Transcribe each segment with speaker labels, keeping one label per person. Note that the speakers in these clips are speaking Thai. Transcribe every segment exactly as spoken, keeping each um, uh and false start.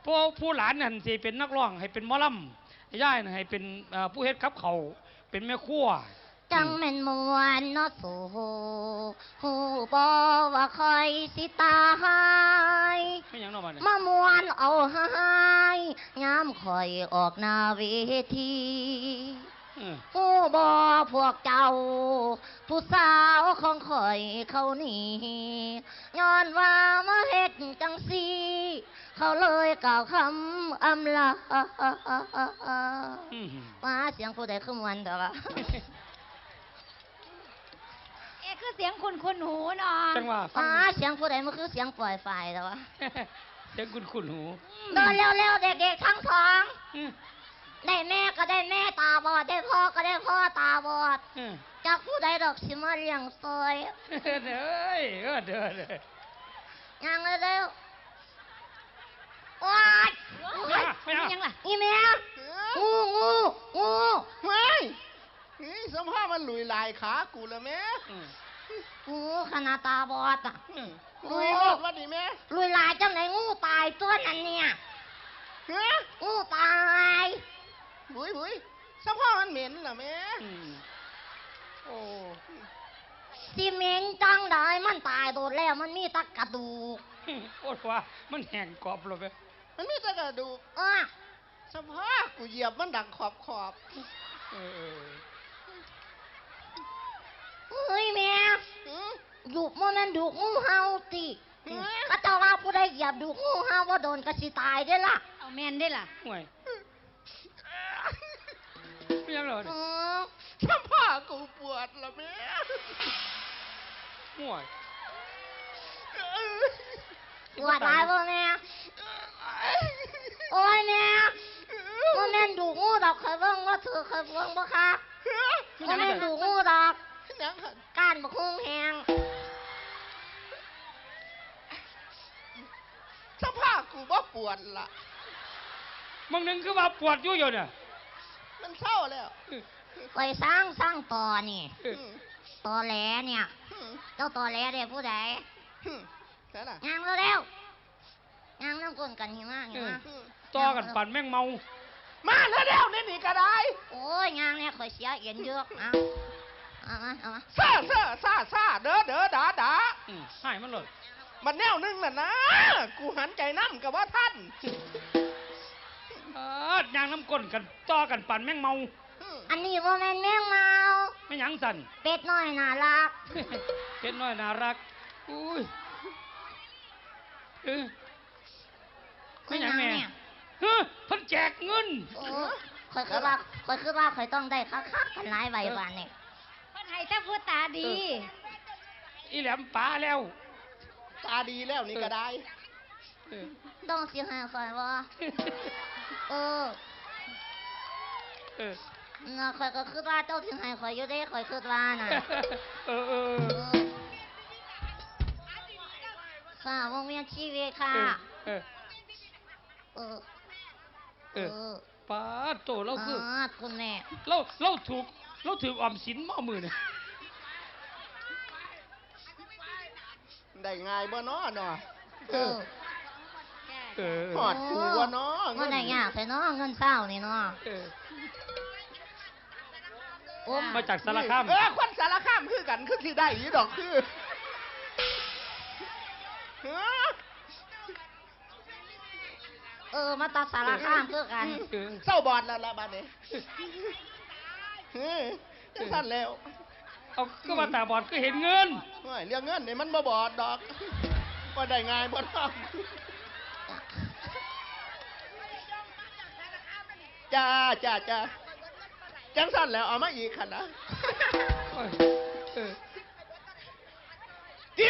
Speaker 1: ผู้ผู้หลานนั่นสิเป็นนักร้องให้เป็นหมอลำย่ายให้เป็นผู้เฮ็ดกับเขาเป็นแม่ครัว
Speaker 2: จังแม่นมวนเนาะสู่หูบ่ว่าคอยสิตายมามวนเอาหายยามคอยออกหน้าเวทีหูบ่พวกเจ้าผู้สาวของคอยเขานี่ย้อนว่ามาเฮ็ดจังซี่เขาเลยกล่าวคำอำลาว่าเสียงผู้ใดขึ้นวันเถอะวะ
Speaker 3: เอ๊ะคือเสียงคุณคุณหูเนาะ
Speaker 1: จังว่า
Speaker 2: ว่าเสียงผู้ใดมันคือเสียงปล่อยไฟเถอะวะ
Speaker 1: เสียงคุณคุณหู
Speaker 2: เดินเร็วๆเด็กๆทั้งสองได้แม่ก็ได้แม่ตาบอดได้พ่อก็ได้พ่อตาบอดจากผู้ใดดอกสิมาเลี้ยงซอย
Speaker 1: เด้อเออเด้อเด้
Speaker 2: อยังเร็วว้าย
Speaker 1: ไม่เอา
Speaker 2: ยังล่ะอีแม่งูงูงู
Speaker 4: ไม่นี่สมภาพมันหลุยลายขากูแล้วแม่
Speaker 2: งูขนาดตาบอดอ่ะ
Speaker 4: ลุยรอดวะดิแม่
Speaker 2: ลุยลายจังไหนงูตายตัวนั้นเนี่ยงูตาย
Speaker 4: บุยบุยสมภาพมันเหม็นเหรอแม่โอ้
Speaker 2: ซีเมนจังได้มันตายโดนแล้วมันมีตะกระดูก
Speaker 1: โอ้ว่ามันแห้งกรอบเลย
Speaker 4: มันมีตะกระดูก
Speaker 2: อ่ะ
Speaker 4: สภาพกูเหยียบมันดังขอบขอบ
Speaker 2: เฮ้ยแม่ดูกมันนั่นดูกงูเห่าติก็เจ้าว่าผู้ใดเหยียบดูกงูเห่าว่าโดนกระสิตายได้ล่ะ
Speaker 3: เอาแม่นได้ล่ะ
Speaker 1: ห่วยไม่ยังเลย
Speaker 4: สภาพกูปวดละแม่
Speaker 1: ห่วย
Speaker 2: ปวดตายป่ะแม่โอ้ยแม่ว่าแม่ดูงูดอกเคยเบิ่งว่าเธอเคยเบิ่งบ่คะว่าแม่ดูงูดอกก้านบักฮุ้งแหง
Speaker 4: สภาพกูบ่ปวดละ
Speaker 1: มึงนึงคือว่าปวดอยู่อยู่เนี่ย
Speaker 4: มันเศร้าแล้ว
Speaker 2: ไปสร้างสร้างต่อนี่ต่อแหลเนี่ยเจ้าต่อแหลเด็กผู้ใดงานเร็วงานน้ำก้นกันหิมะหิมะ
Speaker 1: ต่อกันปั่นแม่งเมา
Speaker 4: มาเร็วๆนี่นี่ก็ได้
Speaker 2: โอ้ยงานเนี่ยคอยเสียเอ็นเยอะเอาเอามาเอามา
Speaker 4: ซาซาซาซาเด้อเด้อด่าด่า
Speaker 1: ให้มันเลย
Speaker 4: มันแนวนึงน่ะนะกูหันใจน้ำกับว่าท่าน
Speaker 1: เออยางน้ำก้นกันต่อกันปั่นแม่งเมา
Speaker 2: อันนี้ว่าแม่แม่งเมา
Speaker 1: ไม่ยังสั่น
Speaker 2: เป็ดน้อยน่ารัก
Speaker 1: เป็ดน้อยน่ารักอุ้ยเออไม่ยังแม่เฮ้ยเพิ่นแจกเงิน
Speaker 2: คอยคือว่าคอยคือว่าคอยต้องได้คักคักกันหลายใบวันนี่
Speaker 3: เพิ่นให้แต่ผู้ตาดี
Speaker 1: อีแหลมป๋าแล้ว
Speaker 4: ตาดีแล้วนี่ก็ได้
Speaker 2: ต้องเสียหายคอยว่าเออ
Speaker 1: เออ
Speaker 2: น่ะคอยก็คือว่าเจ้าเสียหายคอยอยู่ได้คอยคือว่าน่ะ
Speaker 1: เออเออ
Speaker 2: ค่ะวงเวียนชีวิตค่ะ
Speaker 1: เออ
Speaker 2: เออ
Speaker 1: เออป้าโตเราคือ
Speaker 2: คุณแม่
Speaker 1: เราเราถูกเราถือออมสินมามือเนี่ย
Speaker 4: ได้ง่ายบ่น้อเนาะ
Speaker 2: เออ
Speaker 1: เออ
Speaker 4: หอดกูบ่น้อ
Speaker 2: เงินได้ยากแต่น้อเงินเศร้านี่น้อ
Speaker 1: โอ้มาจากสารคาม
Speaker 4: เออคนสารคามคือกันคือที่ได้ยี่ดอกคือ
Speaker 2: เออมาตัดสารข้ามเพื่อกัน
Speaker 4: เศร้าบอดแล้วละบ้านนี้เฮ้ยสั้นแล้ว
Speaker 1: เอาก็มาตาบอดก็เห็นเงิน
Speaker 4: ไม่เรื่องเงินเนี่ยมันบ่บอดดอกว่าได้ง่ายบ่ต้องจ้าจ้าจ้าจังสั้นแล้วเอามาอีกขันนะจี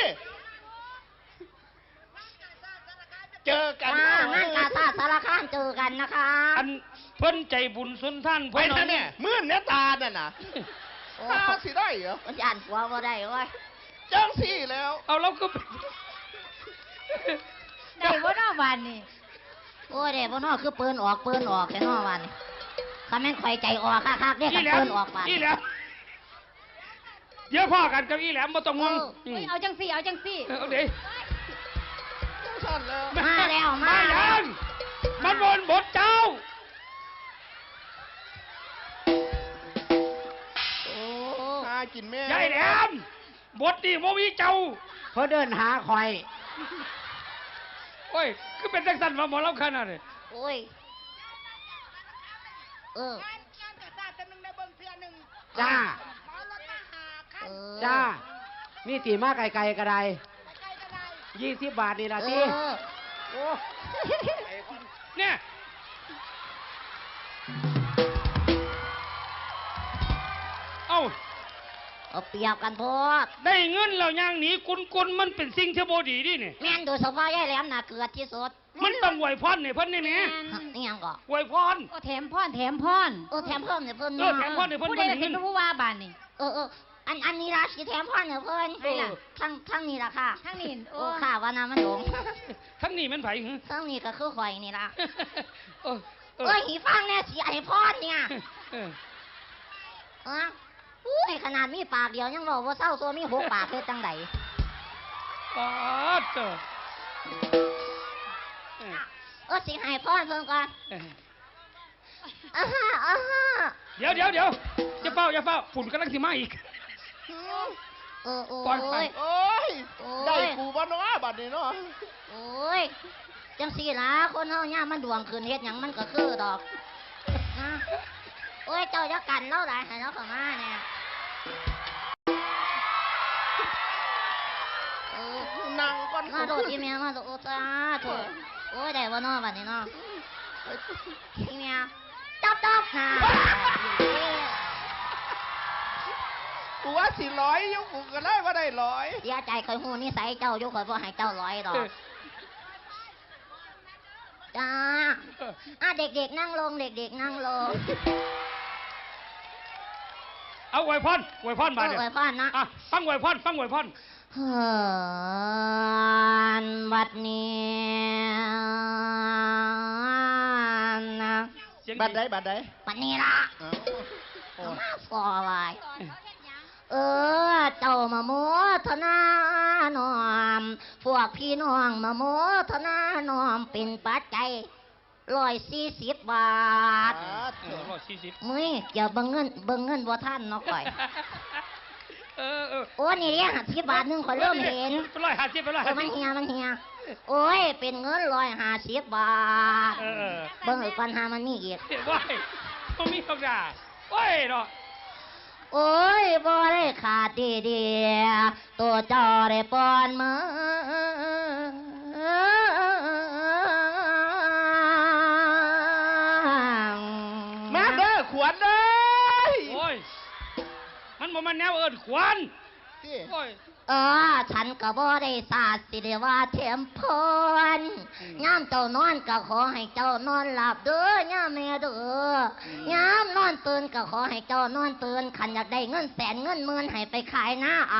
Speaker 4: เจอกัน
Speaker 2: งานกาตาสารคามเจอกันนะคะ
Speaker 1: อันเพิ่นใจบุญสุนท่าน
Speaker 4: เพิ่นเนี่ยมื่นเนื้อตาเนี่ยนะตาสิได้เหรอ
Speaker 2: มันอ่านหัวว่าได้เว้ย
Speaker 4: จังสี่แล้ว
Speaker 1: เอาเราก็
Speaker 3: ได้บ่นอวันนี่
Speaker 2: โอ้ยเด็กบ่นอคือปืนออกปืนออกแค่นอวันคำแม่งไฟใจออกคักๆเรียกกันปืนออกไป
Speaker 1: อีแหลมเดี๋ยวพ่อกันกับอีแหลมบ่ต้องงง
Speaker 3: เอาจังสี่เอาจังสี่
Speaker 1: เอาดิ
Speaker 4: สั้นแล้ว
Speaker 2: มาแล้วมาแล้ว
Speaker 1: บทเจ้า
Speaker 2: โอ้
Speaker 4: หากินแม่
Speaker 1: ยายแหลมบทนี่บ่มีเจ้า
Speaker 5: เพื่อเดินหาคอย
Speaker 1: โอ้ยคือเป็นจังสันว่าหมอลำขนาดนี้
Speaker 2: โอ้ยเออ
Speaker 5: จ้า
Speaker 2: เออ
Speaker 5: จ้า มีตีมาไกลๆกระไดยี่สิบบาทนี่ละ
Speaker 2: เอ
Speaker 5: ที
Speaker 2: อ
Speaker 5: โอ้
Speaker 1: เนี่ยเอ้า
Speaker 2: เอาเปรียบกันโพด
Speaker 1: ได้เงินแล้วย่างหนีกุนกุนมันเป็นสิ่งที่บ่ดีดิเนี่ย
Speaker 2: แม่นโดยเฉพาะยายแหลมน่ะเกิดที่สุด
Speaker 1: มันต้องไหวพรเนี่ยเพิ่นนี่แหม
Speaker 2: นี่ยังก็
Speaker 1: ไหวพร
Speaker 3: โอ้แถมพรแถมพร
Speaker 2: เออแถมเพิ่มเนี่ยเพิ่น
Speaker 1: เออแถมพรเนี่ยเพิ่น
Speaker 3: ผู้ใด
Speaker 1: เพิ่น
Speaker 3: เป็
Speaker 1: เงิ
Speaker 3: น
Speaker 1: น
Speaker 3: ผู้ว่าบ้านนี่
Speaker 2: เออเอออันอันนี้ละสีแถมพ่อเนี่ยเพิ่น
Speaker 3: ใช่ล่ะ
Speaker 2: ทั้งทั้งนี้ละค่ะ
Speaker 3: ทั้งนี้โอ้
Speaker 2: โอ้ค่ะว่าน้ำมันหลง
Speaker 1: ทั้งนี้มันไผหึ
Speaker 2: ทั้งนี้ก็คือข่อยนี่ละ
Speaker 1: เออเออ
Speaker 2: เอ้ยหีฟังเนี่ยสีไอพ่อเนี่ย
Speaker 1: เออ
Speaker 2: อ่ะอุ้ยขนาดมีปากเดียวยังบอกว่าเศร้าตัวมีหกปากเพื่อจังได
Speaker 1: ปาดเจ้าเออ
Speaker 2: เออสิให้พ่อเพิ่นก่อน
Speaker 1: เออ
Speaker 2: อ่าฮะอ่าฮะ
Speaker 1: เดี๋ยวเดี๋ยวเดี๋ยวจะเฝ้าอย่าเฝ้าฝุ่นกำลังสิมาอีก
Speaker 2: เออโอ้
Speaker 1: ปล่อยไป
Speaker 2: ย
Speaker 4: โอ้ย
Speaker 2: โอ้ย
Speaker 4: ได้กูบ่เนาะบัดนี้เนาะ
Speaker 2: โอ้ยจังสี่ละคนเฮาย่ามมันดวงคืนเฮ็ดหยังมันก็คือดอกนะโอ้ยเจ้าจะกันเราได้ให้เราเข้ามาเนี่ยเออ
Speaker 4: นั่งก่อน
Speaker 2: มาโดดอีเมียมาโดดโอ้จ้าโถโอ้ยได้บ่เนาะบัดนี้เนาะอีเมียจับจับหา
Speaker 4: กูว่าสิร้อยอยุกูก็เลยว่าได้ร้อย
Speaker 2: เสียใจข่อยฮู้นิสัยเจ้าอยู่ข่อยบ่ให้เจ้าร้อยดอกจ้าอ่ะเด็กๆนั่งลงเด็กๆนั่งลง
Speaker 1: เอาไหวพรไหวพรมา
Speaker 2: เออ
Speaker 1: เดี๋ยว
Speaker 2: ไว้พ่อนนะ
Speaker 1: อ่ะฟังไหวพรฟังไหวพร
Speaker 2: เฮือนวัดนี้นะ
Speaker 1: เสียง
Speaker 4: บัดใดบัดใด
Speaker 2: วัดนี้ละ
Speaker 4: เอ้า
Speaker 2: เอามาฟอไว้เออ เจ้ามาโมทนาหนอม พวกพี่น้องมาโมทนาหนอมเป็นปัจจัยร้อยสี่สิบบาท
Speaker 4: อ่า
Speaker 1: เออร้อยสี่สิบ
Speaker 2: มึยอย่าเบิ่งเงินเบิ่งเงินบ่ท่านเนาะข่อย
Speaker 1: เออเออ
Speaker 2: โอ้นี่เรียกสิบบาทหนึงข่อยเริ่มเห็น
Speaker 1: เป็นร้อยห้าสิบเป็นร้อย
Speaker 2: เอ
Speaker 1: ห้า
Speaker 2: อมัน
Speaker 1: สิบ
Speaker 2: เฮียมันเฮียโอ้ย เป็นเงินร้อยห้าสิบบาท
Speaker 1: เออเออ
Speaker 2: เบิ่งอีกปัญหามันมีอีก
Speaker 1: เดี๋ยวว้ายมันมีคำด่าโอ้ยเนาะ
Speaker 2: โอ้ยบ่ได้ขาดดีเดียตัวเจ้าได้ปอนมือ
Speaker 4: มาเด้อขวัญเด้ย
Speaker 1: โอ้ยมันบ่มันแนวเอิ้นขวัญ
Speaker 4: ที่
Speaker 1: โอ้ย
Speaker 2: เออ ฉันก็บ่ได้สาดสิเดว่าเทมพรย่ามเจ้านอนก็ขอให้เจ้านอนหลับเด้อย่ามแม่เด้อย่ามนอนตื่นก็ขอให้เจ้านอนตื่นขันอยากได้เงินแสนเงินหมื่นให้ไปขายหน้าเอา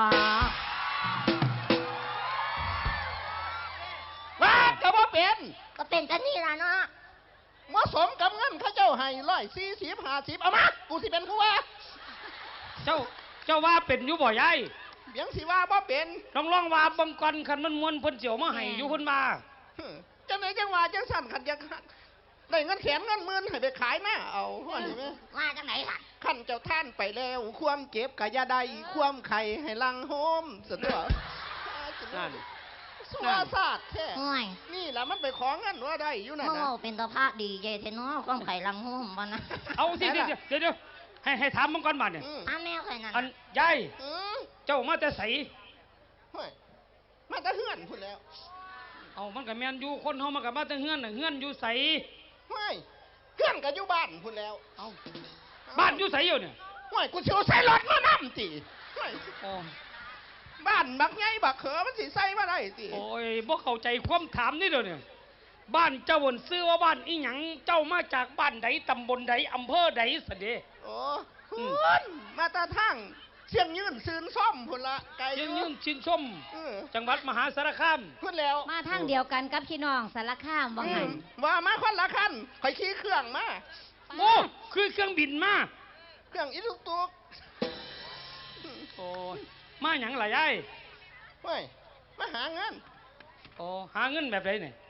Speaker 4: ว่าก็บ่เป็น
Speaker 2: ก็เป็นกันนี่ล่ะเนาะ
Speaker 4: เหมาะสมกับเงินเข้าเจ้าให้ร้อยสี่สิบห้าสิบเอามากูสิเป็นผู้ว่า
Speaker 1: เจ้าเจ้าว่าเป็นอยู่บ่ยาย
Speaker 4: เบียงสิว่าบ่เป็น
Speaker 1: ลองลองว่าบังกรคันมันมวนเพิ่นเสียวมาให้อยู่เพิ่นมา
Speaker 4: ฮึจังไหนจังว่าจังสั่นขันจังได้เงินแสนเงินหมื่นให้ไปขายหน้าเอาว่านี่ไหม
Speaker 2: ว่าจังไหนล่ะ
Speaker 4: ขันเจ้าท่านไปแล้ว ความเจ็บกะยาใดความไข่ให้ลังโฮมสุดยอด
Speaker 1: นั่น
Speaker 4: สวาสาดแท้
Speaker 2: ห่วย
Speaker 4: นี่แหละมันไปของเงินว่าได้อยู่นั่น
Speaker 2: เมื่อ
Speaker 4: นะ
Speaker 2: เป็นตาพระดีเจเทเนาะความไข่ลังหุ่มบ่นะ
Speaker 1: เอาสิเดี๋ยวเดี๋ยวเดี๋ยวเดี๋ยวให้ให้ถามบังกรบาดเนี่ย
Speaker 4: อืม
Speaker 2: อ้าแม่ข่อยนั่น
Speaker 1: อัน
Speaker 2: น่ะ
Speaker 1: ยาย
Speaker 4: อืม
Speaker 1: เจ้ามาแต่ไส
Speaker 4: เฮ้ยมาจะเฮือนพุ่นแล้ว
Speaker 1: เอามันก็แม่นอยู่คนเฮามันก็มาแต่เฮือนน่ะเฮือนอยู่ไส
Speaker 4: เฮ้ยเฮือนก็อยู่บ้านพุ่นแล้ว
Speaker 1: เอาบ้านอยู่ไสอยู่เนี่ย
Speaker 4: เฮ้ยกูสิเอาใส่รถมานํติเฮ้ย
Speaker 1: โอ้
Speaker 4: บ้านบักไงบักเขอมันสิใส่มาได้ติ
Speaker 1: โอ้ยบ่เข้าใจความถามนี่เด้อเนี่ยบ้านเจ้าวนซื้อว่าบ้านอีหยังเจ้ามาจากบ้านใดตำบลใดอำเภอใดสะเด
Speaker 4: โอ้
Speaker 1: อืม
Speaker 4: พุ่นมาแตาทางเชียงยืนซืนซ่อมพุ่นละไกลอ
Speaker 1: ยืน
Speaker 4: ยู่
Speaker 1: ยืนชินส้ม
Speaker 4: เออ
Speaker 1: จังหวัดมหาสารคาม
Speaker 4: พุ่นแล้ว
Speaker 3: มาทางเดียวกันกับพี่น้องสารคามว่า
Speaker 4: อื
Speaker 3: งั้
Speaker 4: ม
Speaker 3: น
Speaker 4: ว่ามาคนละคันข่อยขี่เครื่องมา
Speaker 1: โอ้คือเครื่องบินมา
Speaker 4: เครื่องอีลูกตุก
Speaker 1: โอ้ยมาหยังล่ะยาย
Speaker 4: เฮ้ยมาหาเงิน
Speaker 1: โอ้หาเงินแบบไหนเนี่ย
Speaker 4: เ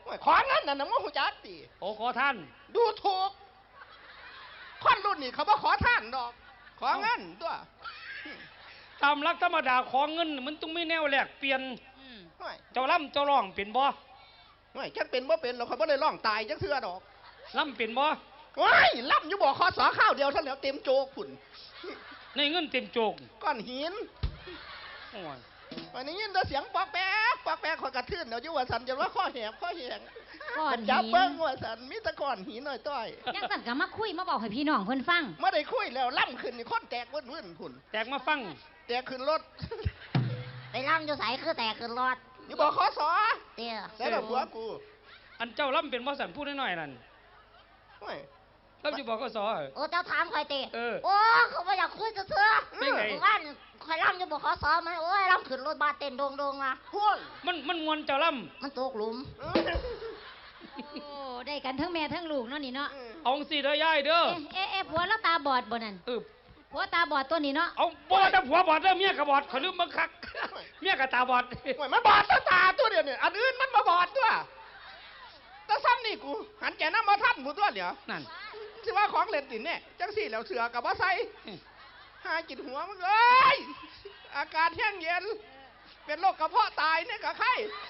Speaker 4: ขอเงินน่ะนะมึงหูจักติ
Speaker 1: โอ้ขอท่าน
Speaker 4: ดูถูกคนรุ่นนี้เขาบ่ขอท่านดอก ขอเงินตัว
Speaker 1: ตามหลักธรรมดาขอเงินมันต้องมีแนวแลกเปลี่ยน
Speaker 3: อืม
Speaker 4: ห่วย
Speaker 1: เจ้าล่ำเจ้าร้องเป็นบ่
Speaker 4: ห่วยจักเป็นบ่เป็นเราเขาบ่ได้ร้องตายจักเทื่อดอก
Speaker 1: ล่ำเป็นบ่
Speaker 4: ว้ายล่ำอยู่บ่คอสอข้าวเดียวเท่าแล้วเต็มโจกพุ่น
Speaker 1: ในเงินเต็มโจก
Speaker 4: ก้อนหิน
Speaker 1: โอ้ย
Speaker 4: วันนี้ยินแต่เสียงปอกแป๊กปอกแป๊กคอยกระทืนเดี๋ยวอยู่ว่าสันจะว่าข้อแหบข้อแหง
Speaker 3: ก้อน
Speaker 4: จับ
Speaker 3: หิน
Speaker 4: เบิ้งว่าสันมีแตะก้อนหินหน่อยต้อย
Speaker 3: ยังสั่นก็มาคุยมาบอกให้พี่น้องเพิ่นฟัง
Speaker 4: ไม่ได้คุยแล้วล่ำขึ้นนี่คนแตกเว้นๆพุ่น
Speaker 1: แตกมาฟัง
Speaker 4: แตกขึ้นรถ
Speaker 2: ไปล่ำอยู่ใสคือแตกขึ้นรอด
Speaker 4: อยู่บ่คอสอ
Speaker 2: เตี้ย
Speaker 4: แต่ละผัวกู
Speaker 1: อันเจ้าล่ำเป็นบ่สันพูดน้อยๆนั่น
Speaker 4: โอ้ย
Speaker 1: ล่ำอยู่บ่ก็สอ
Speaker 2: โอ้เจ้าถามใครเตะ
Speaker 1: เออ
Speaker 2: โอ้เขาไม่อยากคุยจะเถื่อ
Speaker 1: เป็นไง
Speaker 2: ว่านคอยล่ำอยู่บอกขอสอไหมโอ้ยล่ำขึ้นรถบาเต้นโดงโดงๆนะ
Speaker 4: พ่วง
Speaker 1: มันมันมวนเจ้าล่
Speaker 2: มันตกหลุม
Speaker 4: เออ
Speaker 3: โอ้ได้กันทั้งแม่ทั้งลูกเนาะนี่เนาะ
Speaker 1: ำเอาสิเด้อยายเด้อ
Speaker 3: เอ๊ะเอ๊ะเอ๊ะผัวแล้วตาบอดบ่นั่น
Speaker 1: เออ
Speaker 3: ผัวตาบอดตัวนี้เนาะ
Speaker 1: เอาบ่แต่ผัวบอดเด้อเมียก็บอดขอยลืมบังคัก เมียก็ตาบอด
Speaker 4: โอ้ยมันบอดตาตาตัวเดียวเนี่ยอันอื่นมันมาบอดตัวแต่ซ้ำนี่กู หันแกน้ำมาทันกูตัวเดียว
Speaker 1: นั่น
Speaker 4: สิว่าของเล่นตินเนี่ยจังสี่แล้วเสือกับว่าใส่
Speaker 1: อืม
Speaker 4: หากินหัวมึงเอ้ยอากาศแห้งเย็น เป็นโรคกระเพาะตายเนี่ยกับไข้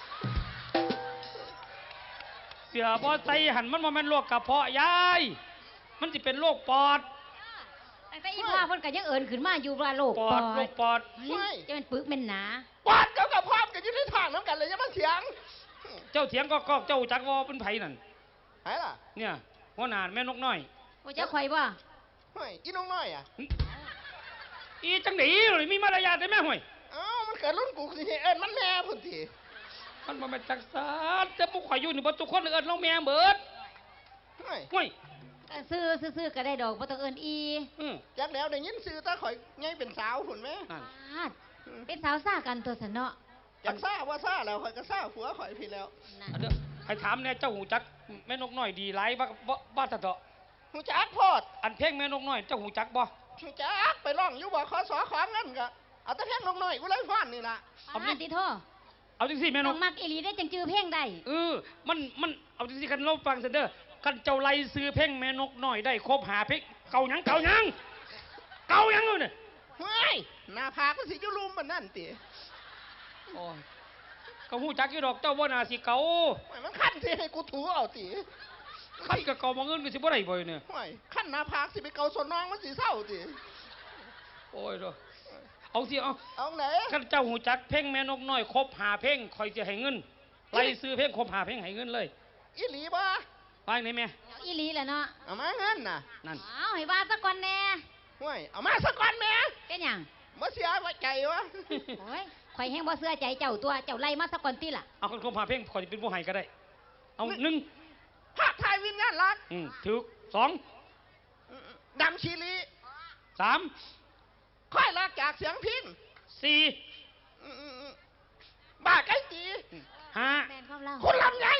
Speaker 1: เสือบ่ใส่หันมันบ่แม่นโรคกระเพาะยาย มันสิเป็นโรคปอด
Speaker 3: แต่ก็อีพ่อเพิ่นก็ยังเอิ้นขึ้นมาอยู่ว่าโลก
Speaker 1: ป
Speaker 3: ป
Speaker 1: อ
Speaker 3: อ
Speaker 1: ดโร
Speaker 3: ด
Speaker 1: คปอด
Speaker 3: เฮ้ยจะเป็นปึกเป็นหนา
Speaker 4: ปอดกับกระเพาะกันอยู่ในทางน้ำกันเลยอยังมาเสียง
Speaker 1: เจ้าเถียงก็ก็เจ้าจักว่าเป็นไผนั่น
Speaker 4: ไหนล่ะ
Speaker 1: เนี่ยหัวหน้าแม่นกน้อย
Speaker 3: โอ้เจ้าข่อยบ่
Speaker 4: เฮ้ยอีน้องน้อยอ่ะ
Speaker 1: อีจังได๋เลยมีมารยาทได้แม่ห่วย
Speaker 4: เอ้ามันเกิดรุ่นกูสิเอิ้นมันแม่พุ่นที
Speaker 1: มันบ่แม่นจักซานแต่พวกข่อยอยู่นี่บ่ทุกคนเอิ้นเราแม่เบิด
Speaker 4: เฮ้ย
Speaker 1: ห่วย
Speaker 3: ก็ซื้อซื้อๆก็ได้ดอกบ่ต้องเอิ้นอี
Speaker 1: อือ
Speaker 4: จักแล้วได้ยินซื้อตาข่อยไงเป็นสาวพุ่นไหม
Speaker 1: นั่น
Speaker 3: ปาดเป็นสาวซ่ากันตัวสนเนาะ
Speaker 4: อยากซ่าว่าซ่าแล้วข่อยก็ซ่าผัวข่อยพี่แล้ว
Speaker 3: นั่น
Speaker 1: อันเด้อให้ถามแน่เจ้าหูจักแม่นกน้อยดีหลายบ่บ่บ่ตะเถาะ
Speaker 4: หูจักโพด
Speaker 1: อันเพลงแม่นกน้อยเจ้าหูจักบ่
Speaker 4: หูจักไปร้องอยู่บ่ขอสอของเงินก็เอาแต่เพียงน้องน้อยกูเลยฟ้อนนี่ล่ะ
Speaker 1: เอา
Speaker 3: ปาดติโท
Speaker 1: เอาจังซี่แม่น
Speaker 3: ต้อก งมักอีหลีได้จังจือเพลงได้
Speaker 1: เออมันมันเอาจังซี่คันเราฟังซั่นเด้อคันเจ้าไล่ซื้อเพลงแม่นกน้อยได้ครบหาเพลงเก่าหยังเก่าหยังเก่าหยังเอาเนี่ย
Speaker 4: เฮ้ยหน้าผากมันสิอยู่ลุมมันนั่นติ
Speaker 1: โอ้ยก็หูจักอยู่ดอกเจ้าบ่น่าสิเก่า
Speaker 4: โอ้ยมันคันสิให้กูถูเอาติ
Speaker 1: คันก็เก่าบ่เงินก็สิบ่ได้บ่เนี่ย
Speaker 4: โอ้ยคันหน้าผากสิไปเกาสนน้องมันสิเศร้าติ
Speaker 1: โอ้ยเด้อเอาสิเอา
Speaker 4: เอาไหน
Speaker 1: คันเจ้าหูจักเพลงแม่นกน้อยครบหาเพลงข่อยสิให้เงินไล่ซื้อเพลงครบหาเพลงให้เงินเลย
Speaker 4: อีหลีบ่
Speaker 1: ไปไหนแม่
Speaker 3: เอาอีหลีแหละเนาะ
Speaker 4: เอามาเงินน่ะ
Speaker 1: นั่น
Speaker 3: เอาให้ว่าซะก่อนแน่
Speaker 4: โอ้ยเอามาสักก่อนแม่
Speaker 3: เป็นหยัง
Speaker 4: มาเสียไว้ใจวะ
Speaker 3: โอ้ยข่อยแฮงบ่เชื่อใจเจ้าตัวเจ้าไล่มาซะก่อนติล่ะ
Speaker 1: เอาคนครบหาเพลงข่อยสิเป็นผู้ให้ก็ได้ เอาหนึ่ง
Speaker 4: ภาคไทยวิญญาณรัก
Speaker 1: อืมถูกสอง
Speaker 4: ดำชีลี
Speaker 1: สาม
Speaker 4: ค่อยรักจากเสียงพิน
Speaker 1: สี่
Speaker 4: อืมๆๆบ้าไก่ตี
Speaker 1: ห้า
Speaker 3: แม่นความเล่า
Speaker 4: คุณลำไย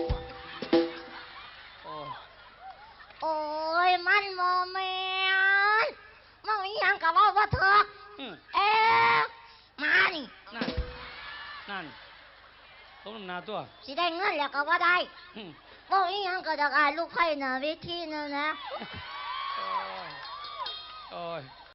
Speaker 1: โอ้
Speaker 2: โอ้ยมันโมเมนมันอีหยังกับว่าว่าเถอะ
Speaker 1: อืม
Speaker 2: เอ๊ะมานี่
Speaker 1: นั่นนั่นต้มน้ำนาตัว
Speaker 2: สิได้เงินแล้วก็ว่าได้
Speaker 1: อืม
Speaker 2: บอกอีหยังก็จะอายลูกไผ่หน้าเวทีนั่นนะ
Speaker 1: โอ้ย